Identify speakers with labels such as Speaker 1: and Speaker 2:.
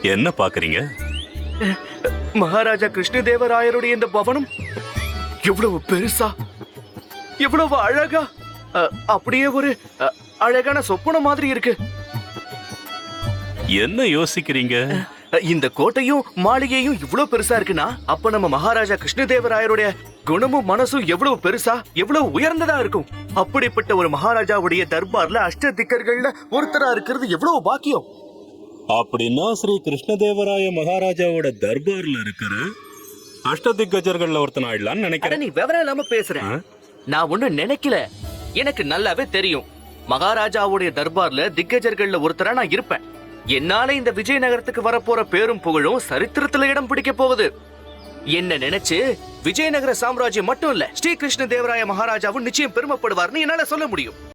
Speaker 1: என்ன பாக்குறீங்க?
Speaker 2: மகாராஜா கிருஷ்ணதேவராயருடைய இந்த பவனம் எவ்வளவு பெருசா, எவ்வளவு அழகா, அப்படியே ஒரு அழகான சொப்பனம் மாதிரி இருக்கு.
Speaker 1: என்ன யோசிக்கிறீங்க?
Speaker 2: இந்த கோட்டையும் மாளிகையும் இவ்வளவு பெருசா இருக்குன்னா, அப்ப நம்ம மகாராஜா கிருஷ்ணதேவராயருடைய குணமும் மனசும் எவ்வளவு பெருசா, எவ்வளவு உயர்ந்ததா இருக்கும். அப்படிப்பட்ட ஒரு மகாராஜாவுடைய தர்பார்ல அஷ்டதிக்கர்கள்ல ஒருத்தரா இருக்கிறது எவ்வளவு பாக்கியம்.
Speaker 1: அப்படின்னா ஸ்ரீ கிருஷ்ணதேவராய மகாராஜாவோட தர்பார்ல இருக்கிற அஷ்டதிக்கஜர்கள்ல ஒருத்தன் ஆயிடலான்னு நினைக்கிறேன்.
Speaker 2: நீ விவரம் இல்லாம பேசுறேன். நான் ஒண்ணும் நினைக்கல, எனக்கு நல்லாவே தெரியும். மகாராஜாவுடைய தர்பார்ல திக்கஜர்கள்ல ஒருத்தரா நான் இருப்பேன். என்னால இந்த விஜயநகரத்துக்கு வரப்போற பேரும் புகழும் சரித்திரத்துல இடம் பிடிக்க போகுது. என்ன நினைச்சு விஜயநகர சாம்ராஜ்யம் மட்டும் இல்ல, ஸ்ரீ கிருஷ்ணதேவராய மகாராஜாவும் நிச்சயம் பெருமைப்படுவார்னு என்னால சொல்ல முடியும்.